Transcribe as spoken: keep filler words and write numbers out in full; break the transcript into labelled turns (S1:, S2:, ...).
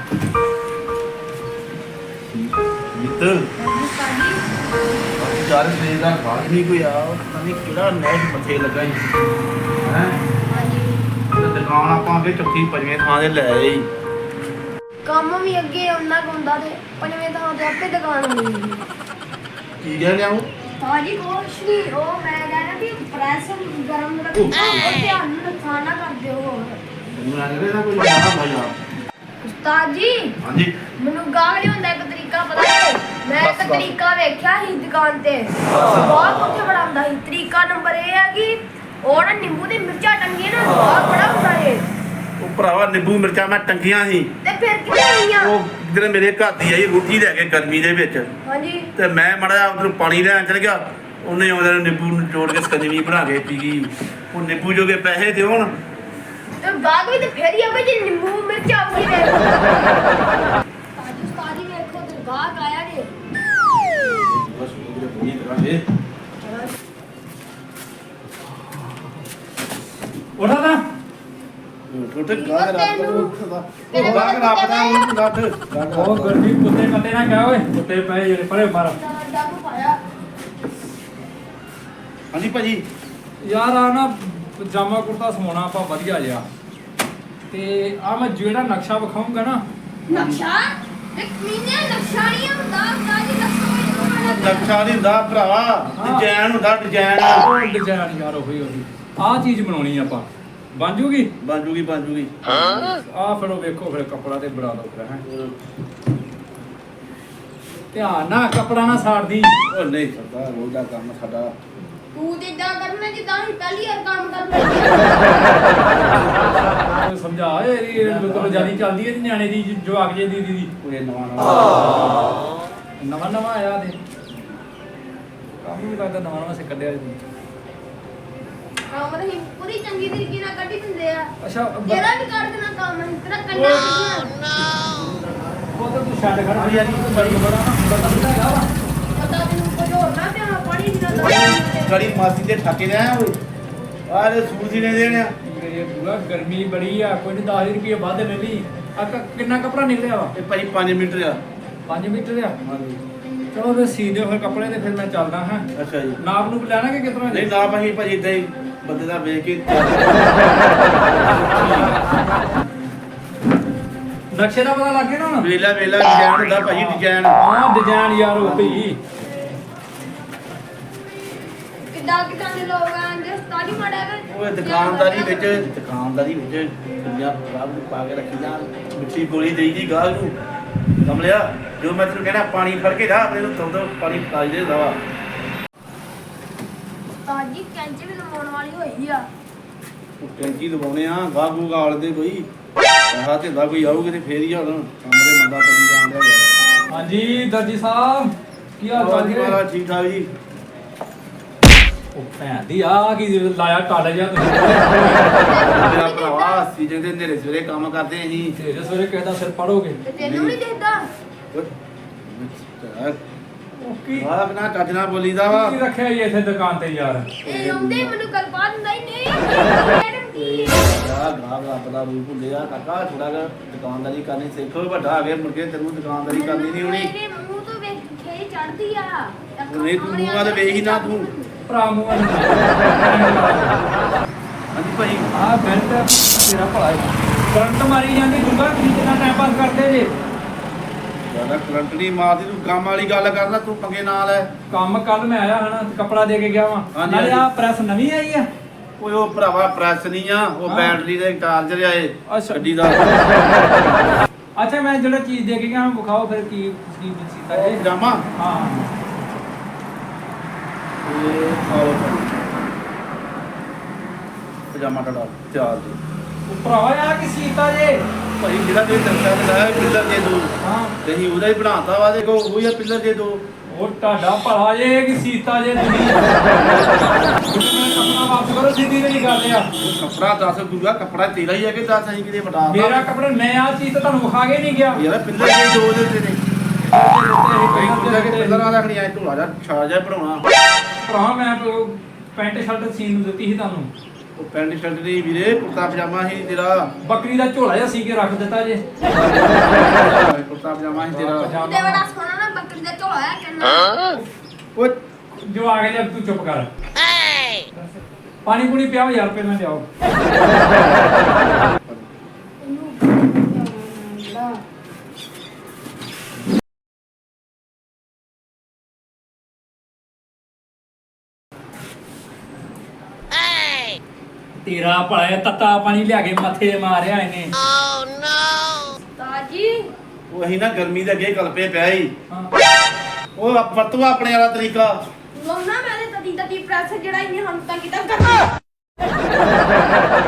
S1: ਮਿੱਤਰ ਚਾਰ ਸਵੇਰ ਦਾ ਬਾਹਰ ਨਹੀਂ ਕੋਈ ਆ ਪਤਾ ਨਹੀਂ ਕਿਹੜਾ ਨੈਸ਼ ਮੱਥੇ ਲੱਗਾ ਹੀ ਹੈ ਦੁਕਾਨ ਆਪਾਂ ਅੱਗੇ ਚੌਥੀ ਪੰਜਵੇਂ ਥਾਂ ਤੇ ਲੈ ਆਏ
S2: ਕੰਮ ਵੀ ਅੱਗੇ ਉਹਨਾਂ ਕੋ ਹੁੰਦਾ ਤੇ ਪੰਜਵੇਂ ਥਾਂ ਤੇ ਆਪੇ ਦੁਕਾਨ ਹੋਣੀ
S1: ਕੀ ਕਹਿ ਰਿਹਾ ਉਹ
S2: ਤਾਜੀ ਕੁਛ ਨਹੀਂ ਉਹ ਮੈਂ ਕਹਿਣਾ ਵੀ ਪ੍ਰੈਸ ਗਰਮ ਰੱਖੋ ਧਿਆਨ ਨਾਲ ਨੁਕਸਾਨ ਨਾ ਕਰ ਦਿਓ ਹੋਰ
S1: ਮੈਨੂੰ ਲੱਗ ਰਿਹਾ ਕੋਈ ਜਾਣਾ ਭਾਈ
S2: ਉਸਤਾਦ ਜੀ
S1: ਹਾਂਜੀ
S2: ਮੈਨੂੰ ਗਾਹਕ ਨਹੀਂ ਹੁੰਦਾ ਇੱਕ ਤਰੀਕਾ ਪਤਾ ਹੈ ਮੈਂ
S1: ਬਸ,
S2: ਇੱਕ
S1: ਬਸ।
S2: ਤਰੀਕਾ ਵੇਖਿਆ ਸੀ ਦੁਕਾਨ ਤੇ ਬਹੁਤ ਉੱਥੇ ਬੜਾ ਹੁੰਦਾ ਸੀ ਤਰੀਕਾ ਨੰਬਰ ਇਹ ਹੈ ਕਿ ਉਹ ਨਾ ਨਿੰਬੂ ਦੀ ਮਿਰਚਾਂ ਟੰਗੀਆਂ ਨਾ ਬਹੁਤ ਬੜਾ ਹੁੰਦਾ ਹੈ
S1: ਉਹ ਭਰਾਵਾ ਨਿੰਬੂ ਮਿਰਚਾਂ ਮੈਂ ਟੰਗੀਆਂ ਸੀ
S2: ਤੇ ਫਿਰ ਕਿੱਥੇ ਆਈਆਂ
S1: ਉਹ ਜਿਹੜੇ ਮੇਰੇ ਘਰ ਦੀ ਆਈ ਰੋਟੀ ਲੈ ਕੇ ਗਰਮੀ ਦੇ ਵਿੱਚ
S2: ਹਾਂਜੀ
S1: ਤੇ ਮੈਂ ਮੜਾ ਉਧਰ ਪਾਣੀ ਲੈਣ ਚਲ ਗਿਆ ਉਹਨੇ ਉਹਦੇ ਨਿੰਬੂ ਨਿਚੋੜ ਕੇ ਸਕੰਜਵੀ ਬਣਾ ਕੇ ਪੀ ਗਈ ਉਹ ਨਿੰਬੂ ਜੋਗੇ ਪੈਸੇ ਤੇ ਹੁਣ
S2: ਤੇ ਗਾਹਕ ਵੀ ਤੇ ਫੇਰ ਹੀ ਆਵੇ ਜੇ ਨਿੰਬੂ ਮਿਰਚਾਂ ਆਉਂਦੀ ਵੇ ਤਾਜੀ ਉਸਤਾਦ ਜੀ ਵੇਖੋ ਤੇ ਗਾਹਕ ਆਇਆ ਜੇ
S1: ਬਸ ਉਹਦੇ ਬਣੀ ਕਰਾਂਗੇ
S3: ਉਠਾ ਨਾ
S1: ਛੋਟੇ ਗਾਹ ਰਾਤ ਉਹ ਗਾਹ ਰਾਪਦਾ ਉਹ ਗੱਠ
S3: ਉਹ ਗਰਮੀ ਕੁੱਤੇ ਕੱਤੇ ਨਾ ਕਹਿ ਓਏ ਕੁੱਤੇ ਪਏ ਜਿਹੜੇ ਪਰੇ ਮਾਰ
S2: ਡੱਬ ਪਾਇਆ
S1: ਹਾਂਜੀ ਭਾਜੀ
S3: ਯਾਰ ਆ ਨਾ ਪਜਾਮਾ ਕੁੜਤਾ ਸਮਾਉਣਾ ਆਪਾਂ ਵਧੀਆ ਜਿਹਾ ਤੇ ਆ ਮੈਂ ਜਿਹੜਾ ਨਕਸ਼ਾ ਵਿਖਾਉਂਗਾ ਨਾ
S2: ਨਕਸ਼ਾ ਇੱਕ ਮਹੀਨੇ ਨਕਸ਼ਾ ਨਹੀਂ ਹੁੰਦਾ ਤਾਜੀ ਨਕਸ਼ਾ
S1: ਨਕਸ਼ਾ ਨਹੀਂ ਹੁੰਦਾ ਭਰਾਵਾ ਡਿਜ਼ਾਈਨ ਹੁੰਦਾ ਡਿਜ਼ਾਈਨ
S3: ਉਹ ਡਿਜ਼ਾਈਨ ਯਾਰ ਉਹੀ ਉਹੀ ਆਹ ਚੀਜ਼ ਬਣਾਉਣੀ ਆਪਾਂ ਬਣ ਜੂਗੀ
S1: ਬਣ ਜੂਗੀ ਬਣ ਜੂਗੀ
S3: ਆਹ ਫਿਰ ਉਹ ਵੇਖੋ ਫਿਰ ਕੱਪੜਾ ਤੇ ਬਣਾ ਦੋ ਫਿਰ ਹੈ ਧਿਆਨ ਨਾਲ ਕੱਪੜਾ ਨਾ ਸਾੜਦੀ
S1: ਉਹ ਨਹੀਂ ਸਰਦਾ ਰੋਜ਼ ਦਾ ਕੰਮ ਸਾਡਾ
S2: ਤੂੰ ਤੇ ਇਦਾਂ ਕਰਨਾ ਜਿੱਦਾਂ ਹੀ ਪਹਿਲੀ ਵਾਰ ਕੰਮ ਕਰਨਾ
S3: ਉਹ ਸਮਝਾ ਇਹ ਲੋਕਾਂ ਜਿਆਦੀ ਚੱਲਦੀ ਹੈ ਨਿਆਣੇ ਦੀ ਜਵਾਕ ਜੇ ਦੀ ਦੀ
S1: ਕੋਈ ਨਵਾਂ ਨਵਾਂ
S3: ਨਵਾਂ ਨਵਾਂ ਆਇਆ ਦੇ ਕੰਮ ਵੀ ਲੱਗਦਾ ਨਵਾਂ ਨਵਾਂ ਸਿੱਖਦਿਆ ਜੀ
S2: ਕੰਮ ਤਾਂ ਹੀ ਪੂਰੀ ਚੰਗੀ ਤਰੀਕੇ ਨਾਲ ਕੱਢੀ ਦਿੰਦੇ ਆ
S3: ਅੱਛਾ
S2: ਜਿਹੜਾ ਵੀ ਕਰ ਦੇਣਾ ਕੰਮ ਅਸੀਂ ਤੇਰਾ ਕੰਨਾ
S3: ਉਹ ਤਾਂ ਤੂੰ ਛੱਡ ਖੜਾ ਯਾਰ ਇਹ ਬੜੀ ਬੜਾ ਪਤਾ ਨਹੀਂ ਹੈਗਾ ਵਾ
S2: ਪਤਾ ਤੈਨੂੰ ਕੁਝ ਹੋਰ ਨਾ ਪਿਆ ਪਾਣੀ ਦੀ ਨਾ
S1: ਗੜੀ ਮਾਸੀ ਦੇ ਠਾਕੇ ਦੇ ਆਇਆ ਓਏ ਆਹ ਦੇ ਸੂਟ ਸੀਨੇ ਦੇਣੇ ਆ
S3: ਇਹ ਪੂਰਾ ਗਰਮੀ ਬੜੀ ਆ ਕੋਈ ਨਹੀਂ ਦਸ ਰੁਪਏ ਵੱਧ ਲੈ ਲਈ ਆ ਕਿੰਨਾ ਕੱਪੜਾ ਨਿਕਲਿਆ ਵਾ
S1: ਇਹ ਭਾਈ ਪੰਜ ਮੀਟਰ ਆ
S3: ਪੰਜ ਮੀਟਰ ਆ ਚਲੋ ਫਿਰ ਸੀ ਦਿਓ ਫਿਰ ਕੱਪੜੇ ਤੇ ਫਿਰ ਮੈਂ ਚੱਲਦਾ ਹਾਂ
S1: ਅੱਛਾ ਜੀ
S3: ਨਾਪ ਨੂੰ ਲੈਣਾ ਕਿ ਕਿਤਨਾ
S1: ਨਹੀਂ ਨਾ ਭਾਈ ਭਾਜੀ ਇਦਾਂ ਹੀ ਬੰਦੇ ਦਾ ਵੇਖ ਕੇ
S3: ਨਕਸ਼ੇ ਦਾ ਪਤਾ ਲੱਗ ਗਿਆ ਨਾ ਹੁਣ
S1: ਵੇਲਾ ਵੇਲਾ ਡਿਜ਼ਾਈਨ ਹੁੰਦਾ ਭਾਜੀ ਡਿਜ਼ਾਈਨ
S3: ਹਾਂ ਡਿਜ਼ਾਈਨ ਯਾਰ ਉਹ ਹੀ
S2: ਕਿੱਦਾਂ ਕਿੱਦਾਂ ਦੇ ਲੋਕ ਆਂਦੇ ਸਤਾਲੀ ਮਾੜਾ ਕਰ
S1: ਉਹ ਦੁਕਾਨਦਾਰੀ ਵਿੱਚ ਦੁਕਾਨਦਾਰੀ ਵਿੱਚ ਦੁਨੀਆ ਖਰਾਬ ਨੂੰ ਪਾ ਕੇ ਰੱਖੀ ਜਾਂ ਮਿੱਠੀ ਗੋਲੀ ਦੇਈ ਦੀ ਗਾਹ ਨੂੰ ਕਮਲਿਆ ਜੋ ਮੈਂ ਤੈਨੂੰ ਕਹਿਣਾ ਪਾਣੀ ਫੜ ਕੇ ਜਾ ਆਪਣੇ ਨੂੰ ਤੋਂ ਪਾਣੀ ਪਤਾਈ ਦੇ ਦਵਾ
S2: ਤਾਜੀ ਕੈਂਚੀ ਵੀ ਲਵਾਉਣ ਵਾਲੀ ਹੋਈ ਆ
S1: ਉਹ ਟੈਂਕੀ ਦਵਾਉਣੇ ਆ ਗਾਹ ਗੂ ਗਾਲ ਦੇ ਕੋਈ ਆਹ ਤੇ ਦਾ ਕੋਈ ਆਊਗੇ ਤੇ ਫੇਰ ਹੀ ਹੁਣ ਸਾਹਮਣੇ ਮੰਦਾ ਚੱਲੀ ਜਾਣ ਡਿਆ
S3: ਹਾਂਜੀ ਦਰਜੀ ਸਾਹਿਬ ਕੀ ਹਾਲ ਚਾਲ
S1: ਜੀ
S3: ਜੀ
S1: ਮਹਾਰਾਜ ਠੀਕ ਠਾਕ ਜੀ
S3: ਉਹ ਭੈਣ ਦੀ ਆ ਕੀ ਲਾਇਆ ਟਾਲਾ ਜਿਹਾ ਤੁਸੀਂ
S1: ਮੇਰਾ ਭਰਾਵਾ ਸੀਜਨ ਦੇ ਨੇਰੇ ਸਵੇਰੇ ਕੰਮ ਕਰਦੇ ਅਸੀਂ
S3: ਤੇਰੇ ਸਵੇਰੇ ਕਿਸੇ ਦਾ ਸਿਰ ਪੜੋਗੇ
S2: ਤੇ ਤੈਨੂੰ ਨਹੀਂ ਦੇਖਦਾ
S3: ਉਹ ਕੀ
S1: ਆਹ ਬਿਨਾ ਕੱਜ ਨਾ ਬੋਲੀਦਾ ਵਾ
S3: ਕੀ ਰੱਖਿਆ ਜੀ ਇੱਥੇ ਦੁਕਾਨ ਤੇ ਯਾਰ
S2: ਇਹ ਆਉਂਦੇ ਮੈਨੂੰ ਕਲਪਾ ਦਿੰਦਾ ਹੀ ਨਹੀਂ ਮੈਡਮ ਕੀ
S1: ਯਾਰ ਗਾਹ ਰੱਬ ਦਾ ਰੂਪ ਹੁੰਦੇ ਆ ਕਾਕਾ ਥੋੜਾ ਜਿਹਾ ਦੁਕਾਨਦਾਰੀ ਕਰਨੀ ਸਿੱਖੋ ਵੱਡਾ ਆ ਗਿਆ ਮੁੜ ਕੇ ਤੈਨੂੰ ਦੁਕਾਨਦਾਰੀ ਕਰਨੀ ਨਹੀਂ ਹੋਣੀ
S2: ਮੇਰੇ ਮੂੰਹ ਤੋਂ ਵੇਖ ਕੇ ਚੜਦੀ ਆ
S1: ਨਹੀਂ ਤੂੰ ਮੂੰਹ ਵਾਲੇ ਵੇਖ ਹੀ ਨਾ ਤੂੰ
S3: ਭਰਾ ਮੂੰਹ
S1: ਹਾਂਜੀ ਭਾਈ
S3: ਆ ਬੈਲਟ ਤੇਰਾ ਭਲਾ ਕਰੰਟ ਮਾਰੀ ਜਾਂਦੀ ਗੁੰਗਾ ਤੁਸੀਂ ਕਿੰਨਾ ਟਾਈਮ ਪਾਸ ਕਰਦੇ ਜੇ
S1: ਜਿਆਦਾ ਕਰੰਟ ਨਹੀਂ ਮਾਰਦੀ ਤੂੰ ਕੰਮ ਵਾਲੀ ਗੱਲ ਕਰਦਾ ਤੂੰ ਪੰਗੇ ਨਾਲ ਹੈ
S3: ਕੰਮ ਕੱਲ ਮੈਂ ਆਇਆ ਹਨਾ ਕੱਪੜਾ ਦੇ ਕੇ ਗਿਆ ਵਾਂ
S1: ਹਾਂਜੀ,
S3: ਨਾਲੇ ਆ
S1: ਹਾਂਜੀ।
S3: ਪ੍ਰੈਸ ਨਵੀਂ ਆਈ ਆ
S1: ਓਏ ਉਹ ਭਰਾਵਾ ਪ੍ਰੈਸ ਨਹੀਂ ਆ ਉਹ
S3: ਹਾਂ।
S1: ਬੈਟਰੀ ਦੇ ਚਾਰਜਰ ਆਏ
S3: ਅੱਛਾ।
S1: ਗੱਡੀ ਦਾ
S3: ਅੱਛਾ ਮੈਂ ਜਿਹੜਾ ਚੀਜ਼ ਦੇ ਕੇ ਗਿਆ ਮੈਂ ਵਿਖਾਓ ਫਿਰ ਕੀ ਕੀ ਸੀਤਾ
S1: ਉਹ
S3: ਜੀ
S1: ਪਜਾਮਾ
S3: ਹਾਂ
S1: ਇਹ ਆਓ ਪਜਾਮਾ ਤੁਹਾਡਾ ਚਾਰ ਜੀ
S3: ਉਹ ਭਰਾਵਾ ਆ ਕੀ ਸੀਤਾ ਜੇ
S1: ਭਾਈ ਜਿਹੜਾ ਤੇ ਦਰਸ਼ਾ ਦੇ ਲਾਇਆ ਪਿੱਲਰ ਦੇ ਦੋ
S3: ਹਾਂ
S1: ਤੇ ਅਸੀਂ ਉਹਦਾ ਹੀ ਬਣਾਤਾ ਵਾ ਦੇਖੋ ਉਹ ਹੀ ਪਿੱਲਰ ਦੇ ਦੋ
S3: ਉਹ ਤੁਹਾਡਾ ਭਲਾ ਜੇ ਕਿ ਸੀਤਾ ਜੇ ਤੁਸੀਂ ਕੱਪੜਾ ਵਾਪਸ ਕਰੋ ਸਿੱਧੀ ਜਿਹੀ ਗੱਲ ਆ
S1: ਉਹ ਕੱਪੜਾ ਦੱਸ ਗੁਰੂਆ ਕੱਪੜਾ ਤੇਰਾ ਹੀ ਹੈ ਕਿ ਦੱਸ ਅਸੀਂ ਕਿਤੇ ਵਟਾ
S3: ਮੇਰਾ ਕੱਪੜਾ ਮੈਂ ਆ ਚੀਜ਼ ਤਾਂ ਤੁਹਾਨੂੰ ਵਿਖਾ ਕੇ ਨਹੀਂ ਗਿਆ
S1: ਯਾਰ ਪਿੱਲਰ ਦੇ ਦੋ ਦੇ ਉੱਤੇ ਨੇ ਕਈ ਕੁਝ ਕੇ ਪਿੱਲਰ ਵਾਲਾ ਰੱਖਣੀ ਐ ਢੋਲਾ ਜਾ ਛਾ ਜਾ ਬਣਾਉਣਾ
S3: ਭਰਾ ਮੈਂ ਉਹ ਪੈਂਟ ਸ਼ਰਟ ਸੀਨ ਨੂੰ ਦਿੱਤੀ ਸੀ ਤੁਹਾਨੂੰ
S1: ਉਹ ਪੈਂਟ ਸ਼ਰਟ ਨਹੀਂ ਵੀਰੇ, ਕੁੜਤਾ ਪਜਾਮਾ ਸੀ ਤੇਰਾ।
S3: ਬੱਕਰੀ ਦਾ ਝੋਲਾ ਜਿਹਾ ਸੀ ਕੇ ਰੱਖ ਦਿੱਤਾ ਜੇ।
S1: ਕੁੜਤਾ ਪਜਾਮਾ ਸੀ ਤੇਰਾ।
S2: ਤੇ ਬੜਾ ਸੋਹਣਾ ਨਾ ਬੱਕਰੀ ਦਾ ਝੋਲਾ ਹੈ ਕਿੰਨਾ।
S3: ਉਹ ਜਵਾਕ ਜਿਹਾ ਤੂੰ ਚੁੱਪ ਕਰ। ਪਾਣੀ ਪੂਣੀ ਪਿਆਓ ਯਾਰ ਪਹਿਲਾਂ ਲਿਆਓ। ਤੇਰਾ ਭਲਾ ਤੱਤਾ ਪਾਣੀ ਲਿਆ ਕੇ ਮੱਥੇ ਤੇ ਮਾਰਿਆ ਇਹਨੇ।
S2: ਤਾਜੀ
S1: ਉਹ ਅਸੀਂ ਨਾ ਗਰਮੀ ਦੇ ਅੱਗੇ ਕਲਪੇ ਪਿਆ ਸੀ।
S3: ਹਾਂ।
S1: ਉਹ ਵਰਤੋ ਆਪਣੇ ਵਾਲਾ ਤਰੀਕਾ।
S2: ਲਾਉਣਾ ਮੈਂ ਤੇ ਤਦੀ ਤਦੀ ਪ੍ਰੈਸ ਜਿਹੜਾ ਇਹਨੇ ਹਮ ਤੱਕ ਕੀਤਾ ਕਰਨਾ।